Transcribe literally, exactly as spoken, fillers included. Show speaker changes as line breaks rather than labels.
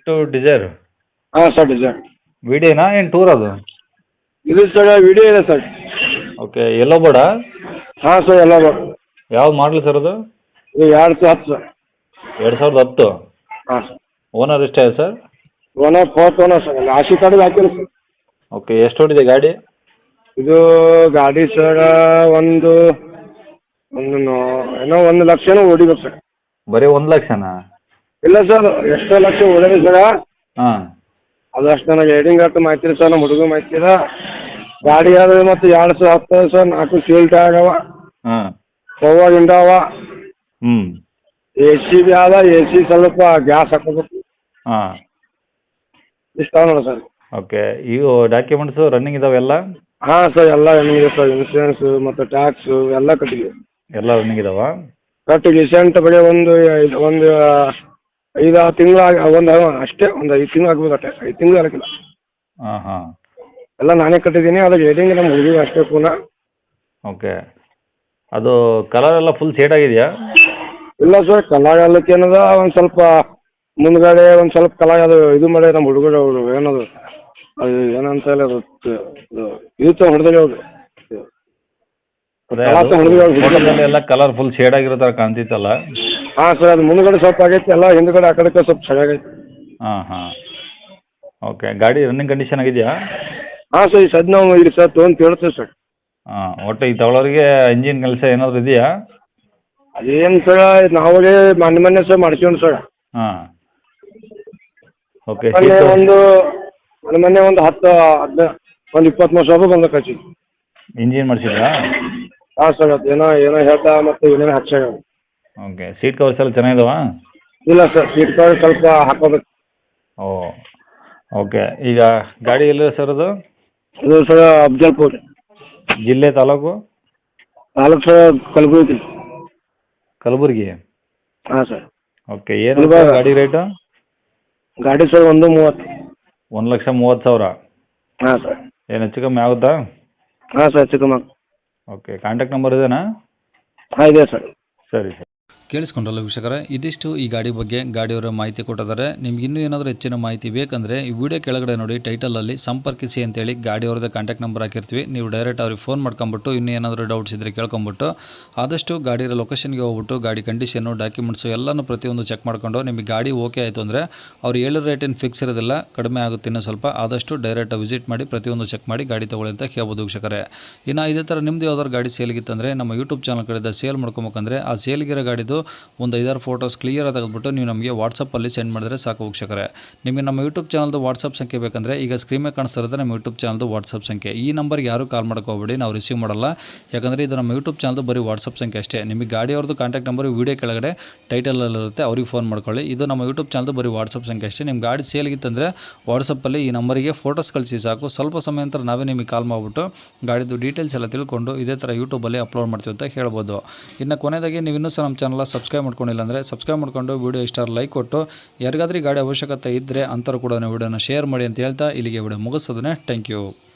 To Dzire
ಹಾಂ sir Dzire
ವಿಡಿಯೋನಾ ಏನು ಟೂರ್ ಅದು?
ಇದು ಸರ್ ವಿಡಿಯೋ ಇದೆ ಸರ್.
ಓಕೆ ಎಲ್ಲೋ ಬೇಡ.
ಹಾಂ ಸರ್ ಎಲ್ಲ ಬೇಕು.
ಯಾವ್ದು ಮಾಡಲಿ ಸರ್ ಅದು?
ಇದು ಎರಡು ಸಾವಿರ ಹತ್ತು ಸರ್.
ಎರಡು ಸಾವಿರದ ಹತ್ತು.
ಹಾಂ ಸರ್.
ಓನರ್ ಎಷ್ಟೇ sir?
Owner fourth owner sir. ಆಶಿ ಕಾರ್ಡಿಗೆ ಹಾಕಿಲ್ಲ ಸರ್.
ಓಕೆ ಎಷ್ಟು ಹೊಡಿದೆ ಗಾಡಿ?
ಇದು ಗಾಡಿ ಸರ್ ಒಂದು ಒಂದು ನೋ- ಏನೋ ಒಂದು ಲಕ್ಷನೂ ಹೊಡಿಬೇಕು ಸರ್.
ಬರೀ ಒಂದು ಲಕ್ಷನಾ?
ಇಲ್ಲ ಸರ್ ಎಷ್ಟೋ ಲಕ್ಷ ಹೊಡೆದ್ರಿ ಸರ್.
ಹಾಂ
ಅದು ಅಷ್ಟು ನನಗೆ ರೇಟಿಂಗ್ ಅಷ್ಟು ಮಾಹಿತಿ ಸರ್. ನಮ್ಮ ಹುಡುಗ ಮಾಹಿತಿ ಇದೆ. ಗಾಡಿ ಆದ್ರೆ ಮತ್ತು ಎರಡು ಸಾವಿರ ಹತ್ತು ಸರ್. ನಾಲ್ಕು ಸೀಲ್ಟ್ ಆಗವ,
ಹಾಂ
ಪವರ್ ಇಂಡವ,
ಹ್ಞೂ
ಎ ಸಿ ಬಿ ಆದ. ಎ ಸಿ ಸ್ವಲ್ಪ ಗ್ಯಾಸ್ ಹಾಕೋಬೇಕು.
ಹಾಂ
ಇಷ್ಟ ನೋಡಿ ಸರ್.
ಓಕೆ ಇವು ಡಾಕ್ಯುಮೆಂಟ್ಸು ರನ್ನಿಂಗ್ ಇದಾವೆಲ್ಲ?
ಹಾಂ ಸರ್ ಎಲ್ಲ ಏನಿದೆ ಸರ್. ಇನ್ಸೂರೆನ್ಸು ಮತ್ತು ಟ್ಯಾಕ್ಸು ಎಲ್ಲ ಕಟ್ಟಿಗೆ
ಎಲ್ಲ ರನ್ನಿಂಗ್ ಇದಾವ?
ಕಟ್ಟು ರೀಸೆಂಟ್ ಬರೀ ಒಂದು ಐದು ಒಂದು ಐದು ಆರು ತಿಂಗಳು ಆಗಿ ಒಂದು ಅಷ್ಟೇ ಒಂದು ಐದು ತಿಂಗಳು ಆಗ್ಬೋದು ಅಷ್ಟೇ. ಐದು ತಿಂಗಳು ಆಗಕ್ಕಿಲ್ಲ.
ಹಾಂ ಹಾಂ
ಎಲ್ಲ ನಾನೇ ಕಟ್ಟಿದ್ದೀನಿ. ಅದು ರೇಟಿಂಗ್ ನಮ್ಮ ಹುಡುಗಿ ಅಷ್ಟೇ ಪುನಃ.
ಓಕೆ ಅದು ಕಲರ್ ಎಲ್ಲ ಫುಲ್ ಶೇಡ್ ಆಗಿದೆಯಾ?
ಇಲ್ಲ ಸರ್ ಕಲಾಗ ಅಲ್ಲಕ್ಕೆ ಏನದ ಒಂದು ಸ್ವಲ್ಪ ಮುಂದ್ಗಡೆ ಒಂದು ಸ್ವಲ್ಪ ಕಲಾಗ ಅದು ಇದು ಮಾಡಿ ನಮ್ಮ ಹುಡುಗರು ಅವರು ಏನದು ಅದು ಏನಂತ ಹೇಳಿ ಅದು ಇದು ತ ಹೊಡೆದಾಗ ಅವರು
ಅದೇ ಅದು ಫೋಟೋದಲ್ಲಿ ಎಲ್ಲ ಕಲರ್ ಫುಲ್ ಶೇಡ್ ಆಗಿರೋ ಥರ ಕಾಣ್ತಿತ್ತಲ್ಲ?
ಹಾಂ ಸರ್ ಅದು ಮುಂದ್ಗಡೆ ಸ್ವಲ್ಪ ಆಗೈತೆ. ಎಲ್ಲ ಹಿಂದ್ಗಡೆ ಆ ಕಡೆಗೆ ಸ್ವಲ್ಪ ಸರಿಯಾಗೈತೆ.
ಹಾಂ ಹಾಂ ಓಕೆ ಗಾಡಿ ರನ್ನಿಂಗ್ ಕಂಡೀಷನ್ ಆಗಿದೆಯಾ?
ಹಾಂ ಸರ್ ಈ ಸದ್ ನಾವು ಇಲ್ಲಿ ಸರ್ ತೊಗೊಂಡು ಕೇಳ್ತೇವೆ ಸರ್.
ಹಾಂ ಒಟ್ಟು ಈ ತಗೊಳ್ಳೋರಿಗೆ ಇಂಜಿನ್ ಕೆಲಸ ಏನಾದರೂ ಇದೆಯಾ?
ಅದೇನು ಸರ್ ನಾವೇ ಮೊನ್ನೆ ಮೊನ್ನೆ ಸರ್ ಮಾಡ್ತೀವಿ ಸರ್.
ಹಾಂ ಓಕೆ
ಮೊನ್ನೆ ಒಂದು ಮೊನ್ನೆ ಮೊನ್ನೆ ಒಂದು ಹತ್ತು ಹದಿನ ಒಂದು ಇಪ್ಪತ್ತ್ಮೂರು ಸಾವಿರ ಬಂದ ಖರ್ಚು.
ಇಂಜಿನ್ ಮಾಡಿಸಿದ್ರಾ?
ಹಾಂ ಸರ್ ಅದು ಏನೋ ಏನೋ ಹೇಳ್ತಾ ಮತ್ತು ಏನೇನೋ ಹಚ್ಚಾಗ.
ಓಕೆ ಸೀಟ್ ಕವರ್ಸ್ ಎಲ್ಲ ಚೆನ್ನಾಗಿದಾವಾ?
ಇಲ್ಲ ಸರ್ ಸೀಟ್ ಕವರ್ ಸ್ವಲ್ಪ ಹಾಕೋಬೇಕು.
ಓ ಓಕೆ ಈಗ ಗಾಡಿ ಎಲ್ಲಿದೆ ಸರ್ ಅದು?
ಇದು ಸರ್ ಅಫ್ಜಲ್ಪುರ್
ಜಿಲ್ಲೆ ತಾಲೂಕು?
ತಾಲೂಕು ಸರ್ ಕಲಬುರಗಿ.
ಕಲಬುರಗಿ?
ಹಾಂ ಸರ್.
ಓಕೆ ಏನು ಗಾಡಿ ರೇಟು?
ಗಾಡಿ ಸರ್ ಒಂದು ಮೂವತ್ತು.
ಒಂದು ಲಕ್ಷ ಮೂವತ್ತು ಸಾವಿರ?
ಹಾಂ ಸರ್.
ಏನು ಹೆಚ್ಚು ಕಮ್ಮಿ ಆಗುತ್ತಾ?
ಹಾಂ ಸರ್ ಚಿಕ್ಕಮ್ಮ.
ಓಕೆ ಕಾಂಟ್ಯಾಕ್ಟ್ ನಂಬರ್ ಇದೆನಾ?
ಹಾಂ ಇದೆ ಸರ್.
ಸರಿ ಸರ್.
ಕೇಳಿಸ್ಕೊಂಡ್ರಲ್ಲ ವೀಕ್ಷಕರೇ, ಇದಿಷ್ಟು ಈ ಗಾಡಿ ಬಗ್ಗೆ ಗಾಡಿಯವರ ಮಾಹಿತಿ ಕೊಟ್ಟಿದ್ದಾರೆ. ನಿಮ್ಗೆ ಇನ್ನೂ ಏನಾದರೂ ಹೆಚ್ಚಿನ ಮಾಹಿತಿ ಬೇಕಂದರೆ ಈ ವಿಡಿಯೋ ಕೆಳಗಡೆ ನೋಡಿ ಟೈಟಲಲ್ಲಿ ಸಂಪರ್ಕಿಸಿ ಅಂತೇಳಿ ಗಾಡಿಯವ್ರದ್ದು ಕಾಂಟ್ಯಾಕ್ಟ್ ನಂಬರ್ ಹಾಕಿರ್ತೀವಿ. ನೀವು ಡೈರೆಕ್ಟ್ ಅವ್ರಿಗೆ ಫೋನ್ ಮಾಡ್ಕೊಂಬಿಟ್ಟು ಇನ್ನೂ ಏನಾದರೂ ಡೌಟ್ಸ್ ಇದ್ದರೆ ಕೇಳ್ಕೊಂಬಿಟ್ಟು ಆದಷ್ಟು ಗಾಡಿಯ ಲೊಕೇಶನ್ಗೆ ಹೋಗ್ಬಿಟ್ಟು ಗಾಡಿ ಕಂಡೀಷನ್ನು ಡಾಕ್ಯುಮೆಂಟ್ಸು ಎಲ್ಲನೂ ಪ್ರತಿಯೊಂದು ಚೆಕ್ ಮಾಡ್ಕೊಂಡು ನಿಮಗೆ ಗಾಡಿ ಓಕೆ ಆಯಿತು ಅಂದರೆ ಅವ್ರು ಹೇಳಿರೋ ರೇಟ್ ಏನು ಫಿಕ್ಸ್ ಇರೋದಿಲ್ಲ, ಕಡಿಮೆ ಆಗುತ್ತೆ ಇನ್ನೂ ಸ್ವಲ್ಪ. ಆದಷ್ಟು ಡೈರೆಕ್ಟ್ ವಿಸಿಟ್ ಮಾಡಿ ಪ್ರತಿಯೊಂದು ಚೆಕ್ ಮಾಡಿ ಗಾಡಿ ತೊಗೊಳ್ಳಿ ಅಂತ ಹೇಳ್ಬೋದು ವೀಕ್ಷಕರೇ. ಇನ್ನು ಇದೇ ಥರ ನಿಮ್ಮದು ಯಾವ್ದಾದ್ರು ಗಾಡಿ ಸೇಲ್ಗಿತ್ತಂದರೆ ನಮ್ಮ ಯೂಟ್ಯೂಬ್ ಚಾನಲ್ ಕಡೆಯಿಂದ ಸೇಲ್ ಮಾಡ್ಕೊಬೇಕಂದ್ರೆ ಆ ಸೇಲ್ಗಿರೋ ಗಾಡಿದು ಒಂದು ಐದಾರು ಫೋಟೋಸ್ ಕ್ಲಿಯರ್ ತೆಗೆದುಬಿಟ್ಟು ನೀವು ನಮಗೆ ವಾಟ್ಸಪ್ಪಲ್ಲಿ ಸೆಂಡ್ ಮಾಡಿದ್ರೆ ಸಾಕು ವೀಕ್ಷಕರೇ. ನಿಮಗೆ ನಮ್ಮ ಯೂಟ್ಯೂಬ್ ಚಾನಲ್ದು ವಾಟ್ಸಪ್ ಸಂಖ್ಯೆ ಬೇಕಂದರೆ ಈಗ ಸ್ಕ್ರೀನ್ ಮೇಲೆ ಕಾಣಿಸ್ತಾ ಇರೋದು ನಮ್ಮ ಯೂಟ್ಯೂಬ್ ಚಾನಲ್ದು ವಾಟ್ಸಪ್ ಸಂಖ್ಯೆ. ಈ ನಂಬರ್ಗೆ ಯಾರು ಕಾಲ್ ಮಾಡ್ಕೋಬೇಡಿ, ನಾವು ರಿಸೀವ್ ಮಾಡಲ್ಲ. ಯಾಕಂದರೆ ಇದು ನಮ್ಮ ಯೂಟ್ಯೂಬ್ ಚಾನಲ್ದು ಬರೀ ವಾಟ್ಸಪ್ ಸಂಖ್ಯೆ ಅಷ್ಟೇ. ನಿಮಗೆ ಗಾಡಿಯವ್ರದ್ದು ಕಾಂಟ್ಯಾಕ್ಟ್ ನಂಬರ್ ವೀಡಿಯೋ ಕೆಳಗಡೆ ಟೈಟಲಲ್ಲಿರುತ್ತೆ, ಅವ್ರಿಗೆ ಫೋನ್ ಮಾಡ್ಕೊಳ್ಳಿ. ಇದು ನಮ್ಮ ಯೂಟ್ಯೂಬ್ ಚಾನಲ್ದು ಬರೀ ವಾಟ್ಸಪ್ ಸಂಖ್ಯೆ ಅಷ್ಟೇ. ನಿಮ್ಮ ಗಾಡಿ ಸೇಲ್ಗಿತ್ತಂದರೆ ವಾಟ್ಸಪ್ಪಲ್ಲಿ ಈ ನಂಬರಿಗೆ ಫೋಟೋಸ್ ಕಳಿಸಿ ಸಾಕು. ಸ್ವಲ್ಪ ಸಮಯ ನಂತರ ನಾವೇ ನಿಮಗೆ ಕಾಲ್ ಮಾಡಿಬಿಟ್ಟು ಗಾಡಿದು ಡೀಟೇಲ್ಸ್ ಎಲ್ಲ ತಿಳ್ಕೊಂಡು ಇದೇ ಥರ ಯೂಟ್ಯೂಬಲ್ಲಿ ಅಪ್ಲೋಡ್ ಮಾಡ್ತೀವಿ ಅಂತ ಹೇಳ್ಬೋದು. ಇನ್ನು ಕೊನೆಯದಾಗಿ ನೀವು ಇನ್ನೂ ಸಹ ನಮ್ಮ ಚಾನಲ್ ಸಬ್ಸ್ಕ್ರೈಬ್ ಮಾಡ್ಕೊಂಡಿಲ್ಲ ಅಂದರೆ ಸಬ್ಸ್ಕ್ರೈಬ್ ಮಾಡ್ಕೊಂಡು ವಿಡಿಯೋ ಇಷ್ಟ ಲೈಕ್ ಕೊಟ್ಟು ಯಾರಿಗಾದ್ರೂ ಗಾಡಿ ಅವಶ್ಯಕತೆ ಇದ್ದರೆ ಅಂಥವ್ರು ಕೂಡ ವಿಡಿಯೋನ ಶೇರ್ ಮಾಡಿ ಅಂತ ಹೇಳ್ತಾ ಇಲ್ಲಿಗೆ ವಿಡಿಯೋ ಮುಗಿಸ್ತದೆ. Thank you.